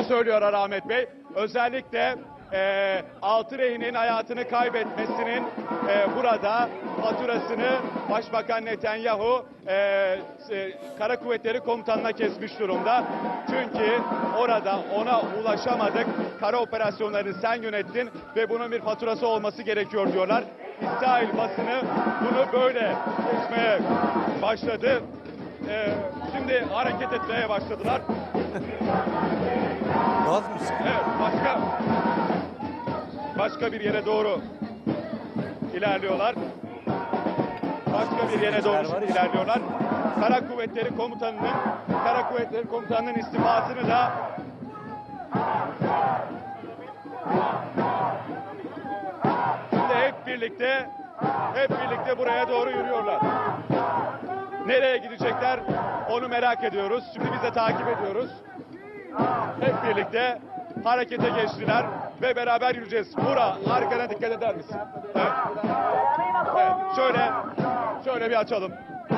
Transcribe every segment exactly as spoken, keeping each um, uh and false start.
söylüyorlar Ahmet Bey. Özellikle e, altı rehinin hayatını kaybetmesinin e, burada faturasını Başbakan Netanyahu e, e, Kara Kuvvetleri Komutanı'na kesmiş durumda. Çünkü orada ona ulaşamadık. Kara operasyonlarını sen yönettin ve bunun bir faturası olması gerekiyor diyorlar. İsrail basını bunu böyle geçmeye başladı. E, şimdi hareket etmeye başladılar. Gaz mısın? Evet, başka başka bir yere doğru ilerliyorlar. Başka bir yere doğru ilerliyorlar. Kara Kuvvetleri Komutanı'nın Kara Kuvvetleri Komutanı'nın istifasını da şimdi hep birlikte hep birlikte buraya doğru yürüyorlar. Nereye gidecekler onu merak ediyoruz. Şimdi biz de takip ediyoruz. Hep birlikte harekete geçtiler ve beraber yürüyeceğiz. Bura, arkana dikkat eder misin? Evet. Evet, şöyle, şöyle bir açalım.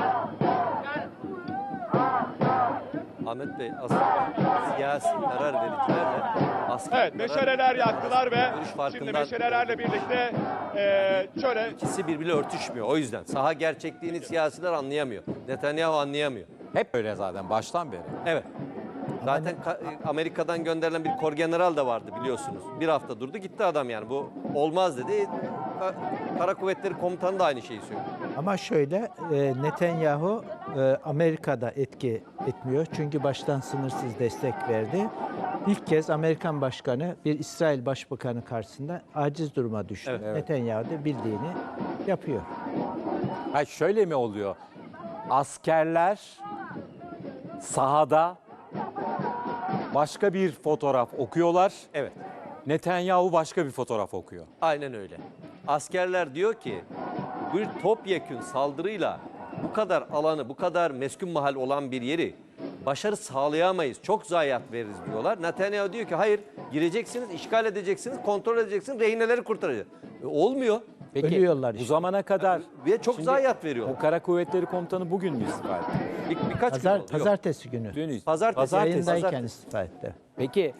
Ahmet Bey, aslında siyasi karar vericilerle askeri Evet, karar meşaleler yaktılar ve görüş şimdi farkından meşalelerle birlikte e, şöyle... ikisi birbiriyle örtüşmüyor. O yüzden saha gerçekliğini siyasiler anlayamıyor. Netanyahu anlayamıyor. Hep öyle zaten baştan beri. Evet. Zaten Amerika'dan gönderilen bir korgeneral da vardı biliyorsunuz. Bir hafta durdu gitti adam yani. Bu olmaz dedi. Kara Kuvvetleri Komutanı da aynı şeyi söylüyor. Ama şöyle, e, Netanyahu e, Amerika'da etki etmiyor. Çünkü baştan sınırsız destek verdi. İlk kez Amerikan Başkanı bir İsrail Başbakanı karşısında aciz duruma düştü. Evet, evet. Netanyahu da bildiğini yapıyor. Hayır, şöyle mi oluyor? Askerler sahada başka bir fotoğraf okuyorlar. Evet. Netanyahu başka bir fotoğraf okuyor. Aynen öyle. Askerler diyor ki bir topyekün saldırıyla bu kadar alanı, bu kadar meskun mahal olan bir yeri başarı sağlayamayız. Çok zayiat veririz diyorlar. Netanyahu diyor ki hayır, gireceksiniz, işgal edeceksiniz, kontrol edeceksiniz, rehineleri kurtaracağız. E, olmuyor. Peki Ölüyorlar bu işte. zamana kadar Ve çok Şimdi zayiat veriyor. o Kara Kuvvetleri Komutanı bugün mü istifa etti? Bir, birkaç Pazar, gün oldu. Yok. pazartesi günü. Dün ist- Pazartesi. Yayındayken pazartesi. istifa etti. Peki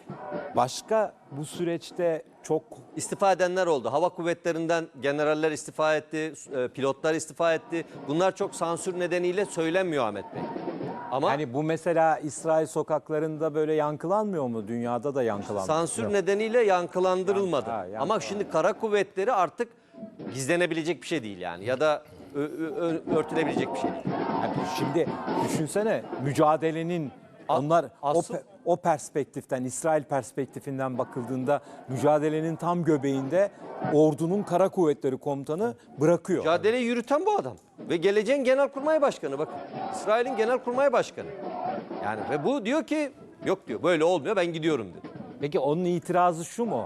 başka bu süreçte çok İstifa edenler oldu. Hava kuvvetlerinden generaller istifa etti, e, pilotlar istifa etti. Bunlar çok sansür nedeniyle söylenmiyor Ahmet Bey. Ama yani bu mesela İsrail sokaklarında böyle yankılanmıyor mu? Dünyada da yankılanmıyor. sansür nedeniyle yankılandırılmadı. Ha, yankı- Ama şimdi kara kuvvetleri artık gizlenebilecek bir şey değil yani. Ya da ö- ö- ö- örtülebilecek bir şey değil. Yani şimdi düşünsene mücadelenin A- onlar o, asıl- pe- o perspektiften, İsrail perspektifinden bakıldığında mücadelenin tam göbeğinde ordunun Kara Kuvvetleri Komutanı bırakıyor. Mücadeleyi yürüten bu adam. Ve geleceğin Genelkurmay Başkanı bakın. İsrail'in Genelkurmay Başkanı. Yani ve bu diyor ki yok diyor böyle olmuyor ben gidiyorum dedi. Peki onun itirazı şu mu?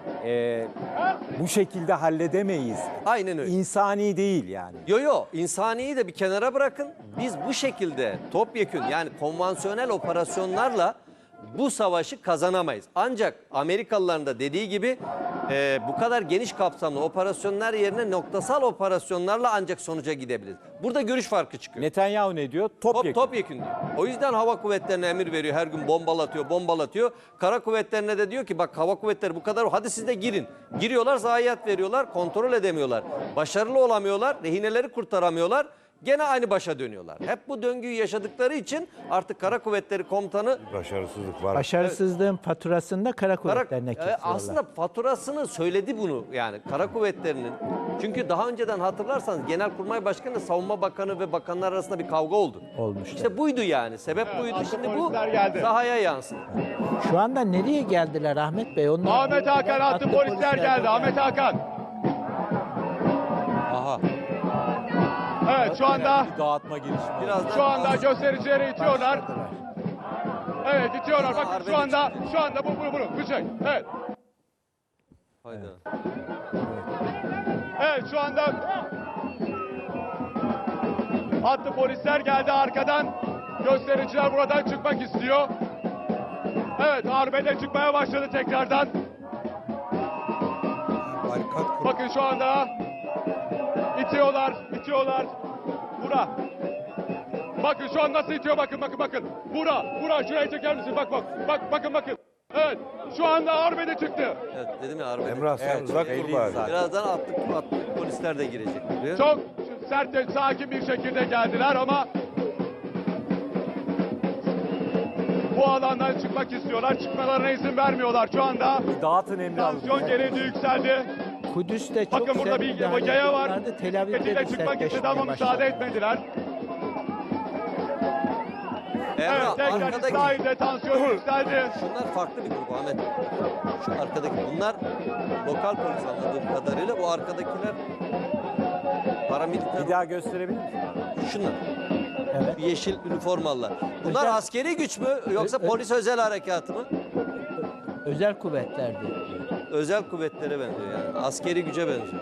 Ee, bu şekilde halledemeyiz. Aynen öyle. İnsani değil yani. Yo yo insaniyi de bir kenara bırakın. Biz bu şekilde topyekün yani konvansiyonel operasyonlarla bu savaşı kazanamayız. Ancak Amerikalıların da dediği gibi e, bu kadar geniş kapsamlı operasyonlar yerine noktasal operasyonlarla ancak sonuca gidebiliriz. Burada görüş farkı çıkıyor. Netanyahu ne diyor? Top, Topyekun. topyekün diyor. O yüzden hava kuvvetlerine emir veriyor. Her gün bombalatıyor, bombalatıyor. Kara kuvvetlerine de diyor ki bak hava kuvvetleri bu kadar hadi siz de girin. Giriyorlar, zayiat veriyorlar, kontrol edemiyorlar. Başarılı olamıyorlar, rehineleri kurtaramıyorlar. Gene aynı başa dönüyorlar. Hep bu döngüyü yaşadıkları için artık Kara Kuvvetleri Komutanı Başarısızlık var. Başarısızlığın faturasını da Kara Kara, Kuvvetleri'ne e, kesiyorlar. aslında faturasını söyledi bunu yani Kara Kuvvetleri'nin. Çünkü daha önceden hatırlarsanız Genelkurmay Başkanı, Savunma Bakanı ve bakanlar arasında bir kavga oldu. Olmuştu. İşte buydu yani. Sebep Evet, buydu. artık Şimdi bu polisler geldi. sahaya yansın. Şu anda nereye geldiler Ahmet Bey? Onlar Ahmet Hakan attı polisler geldi. Ahmet Hakan. Aha. Evet şu anda Bir dağıtma girişimi. Birazdan şu anda göstericileri itiyorlar. başladılar. Evet itiyorlar. Bakın Arbede şu anda çıktı. şu anda bu bu bu bıçak. Evet. Hayda. Evet şu anda attı polisler geldi arkadan. Göstericiler buradan çıkmak istiyor. Evet arbede çıkmaya başladı tekrardan. Bakın şu anda itiyorlar, itiyorlar. Bura. Bakın şu an nasıl itiyor bakın bakın bakın. Bura, bura şuraya çeker misin? Bak bak. Bak bakın bakın. Evet. Şu anda arbede çıktı. Evet dedim ya arbede. Emrah sen Evet, uzak belli dur bari. zaten. Birazdan atlık, atlık polisler de girecek buraya. Çok sert ve sakin bir şekilde geldiler ama bu alandan çıkmak istiyorlar. Çıkmalarına izin vermiyorlar şu anda. Dağıtın Emre abi. Tansiyon gerildi, yükseldi. Kudüs'te çok Bakın burada sert bir müdahale yaya var. ediyorlardı. Tel Aviv'de Şekilde de çıkmak istedi sertleşmeye ama müsaade başladı. etmediler. Emrah Evet, tekrar arkadaki İsrail'de tansiyon yükseldi. şunlar farklı bir grup Ahmet. Şu arkadaki bunlar lokal polis anladığım kadarıyla. Bu arkadakiler paramiliter. Bir daha gösterebilir misin? Şunlar. Evet. Yeşil üniformalılar. Bunlar Özel- askeri güç mü yoksa Ö- ö- polis özel harekatı mı? Özel kuvvetlerdi. Özel kuvvetlere benziyor yani. Askeri güce benziyor.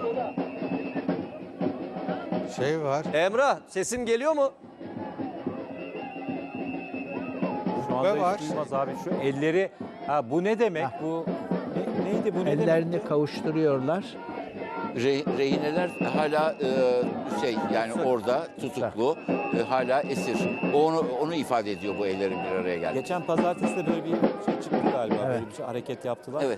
Şey var. Emrah sesim geliyor mu? Şu anda Ve var. hiç duymaz abi. Şu elleri, ha bu ne demek? Bu ne- neydi bu ne demek? Ellerini kavuşturuyorlar. Re- rehineler hala e, şey yani orada tutuklu, e, hala esir. O Onu onu ifade ediyor bu ellerin bir araya geldi. Geçen pazartesi de böyle bir şey çıktı galiba. Evet. Böyle bir şey hareket yaptılar. Evet.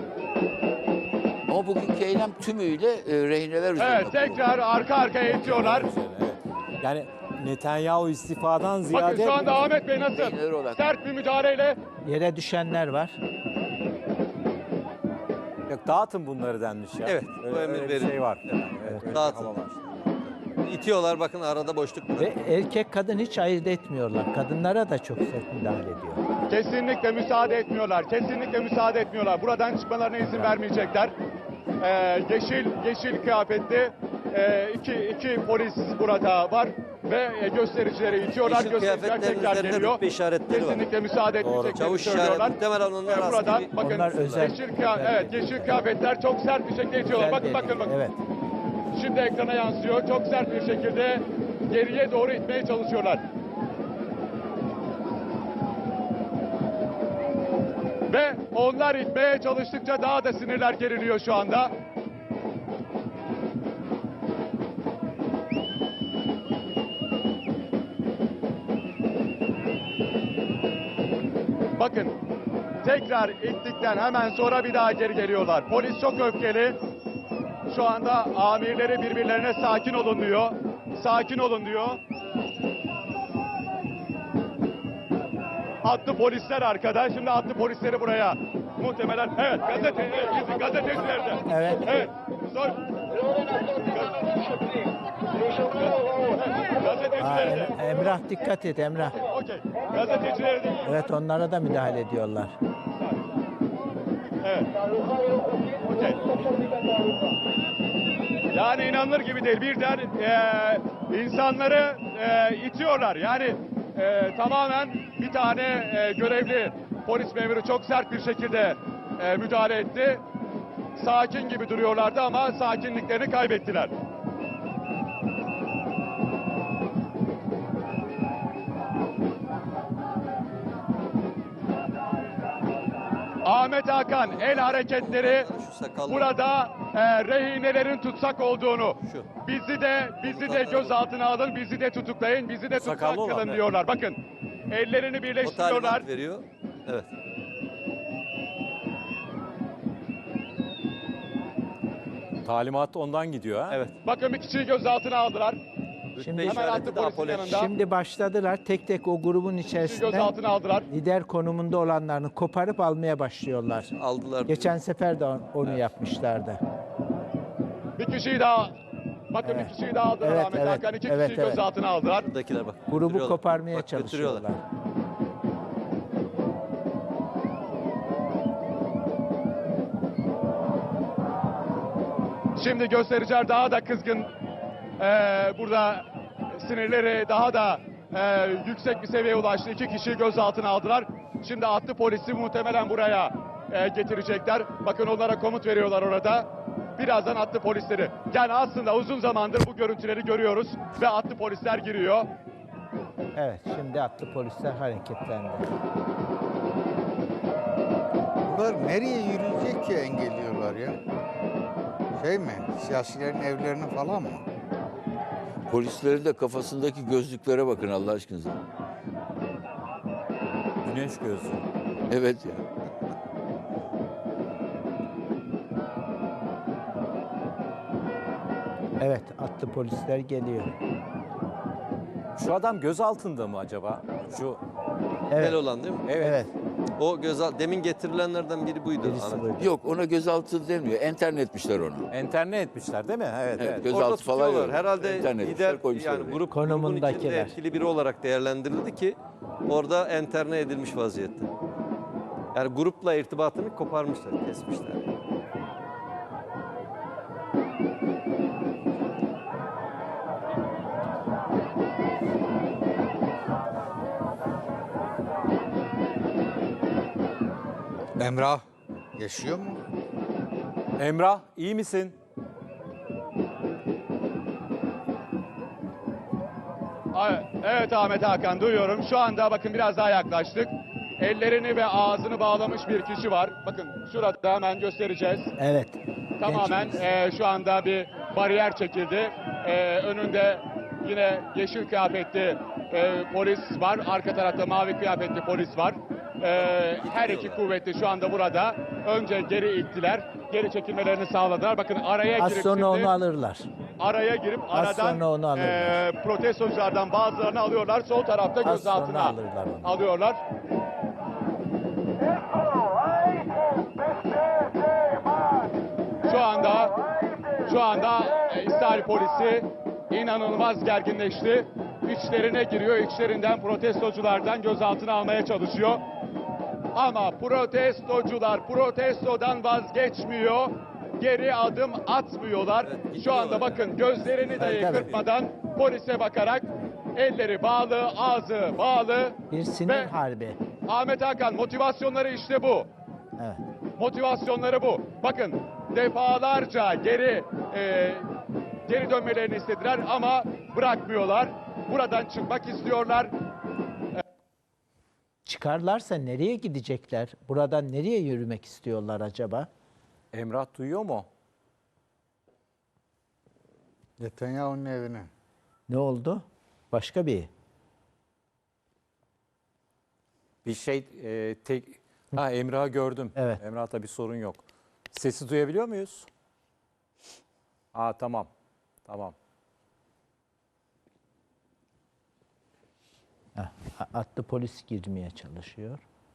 Ama bugünkü eylem tümüyle e, rehineler üzerinde. Evet, tekrar arka arkaya itiyorlar. Üzerine, evet. Yani Netanyahu istifadan Bakın ziyade şu anda Ahmet Bey nasıl Rehineler olarak. sert bir müdahaleyle Yere düşenler var. yok, dağıtın bunları denmiş ya. Evet, Öyle, bu emir öyle bir verildi. şey var. Evet, öyle bir Dağıtın. hava var. İtiyorlar bakın arada boşluk Ve bırakıyor. erkek kadın hiç ayırt etmiyorlar. Kadınlara da çok sert müdahale ediyor. kesinlikle müsaade etmiyorlar. Kesinlikle müsaade etmiyorlar. Buradan çıkmalarına izin vermeyecekler. Ee, yeşil yeşil kıyafetli e, iki, iki polis burada var ve e, göstericileri itiyorlar. Yeşil Göstericiler kıyafetlerin tekrar üzerinde geliyor. rütbe işaretleri var. Kesinlikle müsaade etmeyeceklerini Çavuş söylüyorlar. işareti muhtemelen onlar Ee, buradan askeri. bakın Onlar özel- yeşil, kıya- özel evet, bir- yeşil kıyafetler çok sert bir şekilde itiyorlar. Bakın Güzel bakın dedi. bakın. Evet. Şimdi ekrana yansıyor. Çok sert bir şekilde geriye doğru itmeye çalışıyorlar. Ve onlar itmeye çalıştıkça daha da sinirler geriliyor şu anda. Bakın tekrar ittikten hemen sonra bir daha geri geliyorlar. Polis çok öfkeli. Şu anda amirleri birbirlerine sakin olun diyor. Sakin olun diyor. Attı polisler arkada. Şimdi attı polisleri buraya. Muhtemelen evet gazete evet, gazeteciler de. Evet. Evet. Sor. Gazeteciler de. Aa, Emrah dikkat et Emrah. Okey. Gazeteciler de. Evet onlara da müdahale ediyorlar. Evet. Okey. Yani inanılır gibi değil. Birden e, insanları e, itiyorlar. Yani e, tamamen bir tane e, görevli polis memuru çok sert bir şekilde e, müdahale etti. Sakin gibi duruyorlardı ama sakinliklerini kaybettiler. Ahmet Hakan el hareketleri Şu sakallı. burada e, rehinelerin tutsak olduğunu, Şu. bizi de bizi de gözaltına alın, bizi de tutuklayın, bizi de tutsak Sakallı olan, kılın evet. diyorlar. Bakın ellerini O birleştiriyorlar. talimat veriyor. Evet. Talimat ondan gidiyor ha. Evet. Bakın bir kişiyi gözaltına aldılar. Şimdi- Rütbe Hemen attı işareti de polisin apole. yanında. Şimdi başladılar tek tek o grubun Bir kişiyi içerisinden gözaltına aldılar. lider konumunda olanlarını koparıp almaya başlıyorlar. Aldılar. Geçen sefer de onu yapmışlardı. Bir kişiyi daha bakın bir kişiyi daha aldılar Evet, Ahmet evet, Hakan. İki evet, kişiyi evet. gözaltına aldılar. Buradakiler bak. Grubu götürüyorlar. koparmaya Bak, götürüyorlar. çalışıyorlar. Şimdi göstericiler daha da kızgın. Ee, burada sinirleri daha da e, yüksek bir seviyeye ulaştı. İki kişiyi gözaltına aldılar. Şimdi attı polisi muhtemelen buraya e, getirecekler. Bakın onlara komut veriyorlar orada. Birazdan attı polisleri. Yani aslında uzun zamandır bu görüntüleri görüyoruz ve attı polisler giriyor. Evet şimdi atlı polisler hareketlendi. Bunlar nereye yürüyecek ki engelliyorlar ya? Şey mi? Siyasilerin evlerine falan mı? Polislerin de kafasındaki gözlüklere bakın Allah aşkınıza. Güneş gözü. Evet ya. Evet, atlı polisler geliyor. Şu adam gözaltında mı acaba? Şu Evet, Kel olan değil mi? evet. evet. O gözal demin getirilenlerden biri buydu. Birisi Ahmet. buydu. Yok, ona gözaltı denmiyor. Enterne etmişler onu. Enterne etmişler değil mi? Evet, Evet, evet. göz- Orada Gözaltı falan tutuyorlar. yok. Herhalde İnternet lider işler koymuşlar yani oraya. grup grubun içinde Konumundakiler. etkili biri olarak değerlendirildi ki orada enterne edilmiş vaziyette. Yani grupla irtibatını koparmışlar, kesmişler. Emrah yaşıyor mu? Emrah iyi misin? A- Evet Ahmet Hakan, duyuyorum. Şu anda bakın biraz daha yaklaştık. Ellerini ve ağzını bağlamış bir kişi var. Bakın şurada hemen göstereceğiz. Evet. Tamamen Gençimiz. e, şu anda bir bariyer çekildi. E, önünde yine yeşil kıyafetli e, polis var. Arka tarafta mavi kıyafetli polis var. E, her iki kuvveti şu anda burada. Önce geri ittiler. Geri çekilmelerini sağladılar. Bakın araya Az girip sonra şimdi- onu alırlar. araya girip Az aradan sonra onu alırlar. e, protestoculardan bazılarını alıyorlar. Sol tarafta Az sonra gözaltına alırlar onu. alıyorlar. Şu anda şu anda e, İsrail polisi inanılmaz gerginleşti. İçlerine giriyor. İçlerinden protestoculardan gözaltına almaya çalışıyor. Ama protestocular protestodan vazgeçmiyor. Geri adım atmıyorlar. Evet, Şu anda gidiyorlar bakın gözlerini Tabii, de tabii. kırpmadan polise bakarak elleri bağlı, ağzı bağlı. Bir sinir Ve harbi. Ahmet Hakan, motivasyonları işte bu. Evet. Motivasyonları bu. Bakın defalarca geri e, geri dönmelerini istediler ama bırakmıyorlar. Buradan çıkmak istiyorlar. Çıkarlarsa nereye gidecekler? Buradan nereye yürümek istiyorlar acaba? Emrah duyuyor mu? Netanyahu'nun evine. Ne oldu? Başka bir. Bir şey e, tek... Ha Emrah'ı gördüm. Evet. Emrah'ta bir sorun yok. Sesi duyabiliyor muyuz? Aa tamam. Tamam. Heh, atlı polis girmeye çalışıyor.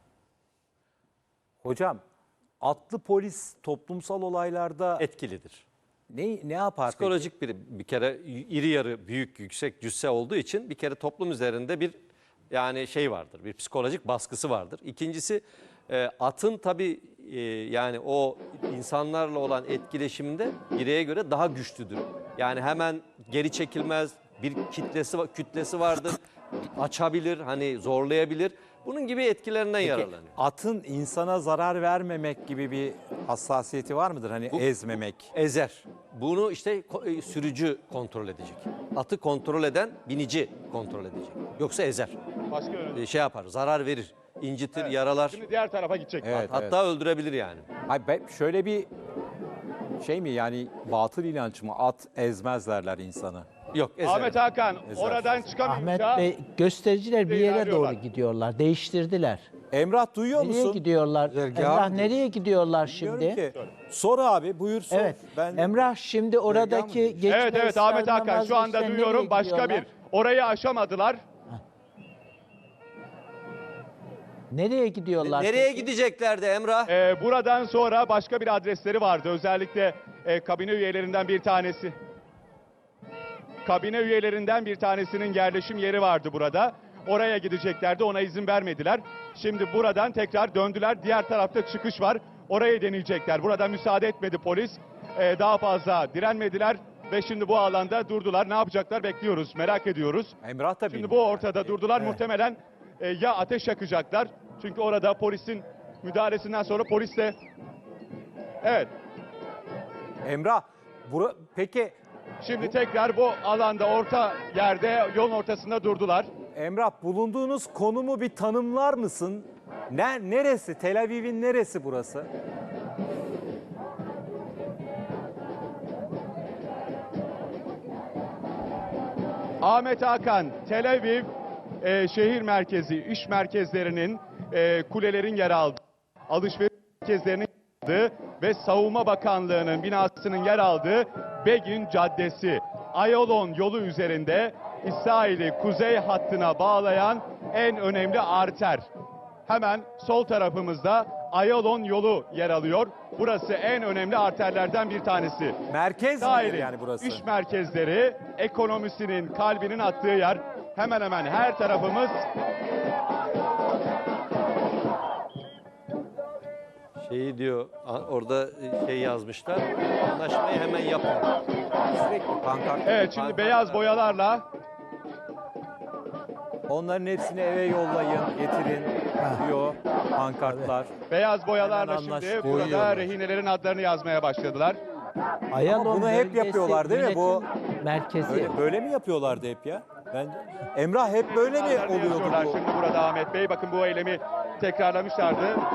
Hocam atlı polis toplumsal olaylarda Etkilidir. ne ne yapar peki? Psikolojik bir bir kere iri yarı büyük yüksek cüsse olduğu için bir kere toplum üzerinde bir yani şey vardır. Bir psikolojik baskısı vardır. İkincisi e, atın tabii e, yani o insanlarla olan etkileşiminde bireye göre daha güçlüdür. Yani hemen geri çekilmez. Bir kitlesi va- kütlesi vardır. Açabilir, hani zorlayabilir. Bunun gibi etkilerinden yararlanıyor. Atın insana zarar vermemek gibi bir hassasiyeti var mıdır? Hani ezmemek. Ezer. Bunu işte ko- e, sürücü kontrol edecek. Atı kontrol eden binici kontrol edecek. Yoksa ezer. Başka yönetim. E, Şey yapar, zarar verir, incitir, Evet. yaralar. Şimdi diğer tarafa gidecek. Evet, Hatta öldürebilir yani. Hayır, ben- şöyle bir şey mi yani batıl inanç mı? At ezmez derler insanı. Yok, ezer. Ahmet Hakan Ezer. oradan Ahmet çıkamayınca Bey göstericiler bir yere ilerliyorlar. doğru gidiyorlar. Değiştirdiler. Emrah duyuyor Nereye musun? gidiyorlar? Güzergah Emrah mı nereye gidiyorlar Bilmiyorum şimdi? ki. Sor abi buyur sor. Evet. Ben Emrah şimdi oradaki geçme evet evet Ahmet Hakan ısrarından şu anda vazgeçten duyuyorum nereye başka gidiyorlar? bir. Orayı aşamadılar. Nereye gidiyorlar? Nereye peki? gideceklerdi Emrah? Ee, buradan sonra başka bir adresleri vardı. Özellikle e, kabine üyelerinden bir tanesi. Kabine üyelerinden bir tanesinin yerleşim yeri vardı burada. Oraya gideceklerdi. Ona izin vermediler. Şimdi buradan tekrar döndüler. Diğer tarafta çıkış var. Orayı deneyecekler. Burada müsaade etmedi polis. Ee, daha fazla direnmediler ve şimdi bu alanda durdular. Ne yapacaklar bekliyoruz. Merak ediyoruz. Emrah da Şimdi bilmiyor. bu ortada durdular. Muhtemelen e, ya ateş yakacaklar. Çünkü orada polisin müdahalesinden sonra polis de... Evet. Emrah bura, peki Şimdi tekrar bu alanda orta yerde yolun ortasında durdular. Emrah bulunduğunuz konumu bir tanımlar mısın? Ne, neresi? Tel Aviv'in neresi burası? Ahmet Hakan, Tel Aviv e, şehir merkezi, iş merkezlerinin, e, kulelerin yer aldığı, alışveriş merkezlerinin yer aldığı ve Savunma Bakanlığı'nın binasının yer aldığı Begin Caddesi. Ayalon yolu üzerinde İsrail'i kuzey hattına bağlayan en önemli arter. Hemen sol tarafımızda Ayalon yolu yer alıyor. Burası en önemli arterlerden bir tanesi. Merkez midir İsrail'in yani burası? iş merkezleri, ekonomisinin, kalbinin attığı yer. Hemen hemen her tarafımız Şeyi diyor a- orada şey yazmışlar. Anlaşmayı hemen yapın. Sürekli pankart. evet şimdi pankart- beyaz boyalarla Onların hepsini eve yollayın, getirin diyor pankartlar. beyaz boyalarla Hemen şimdi anlaştık. burada Boyuyorlar. rehinelerin adlarını yazmaya başladılar. Ayalon bunu hep bölgesi yapıyorlar değil mi? Bu- yönetim merkezi. Böyle, böyle mi yapıyorlardı hep ya? Ben Emrah hep böyle mi Adlarını oluyordu yazıyorlar bu? şimdi burada Ahmet Bey. Bakın bu eylemi tekrarlamışlardı.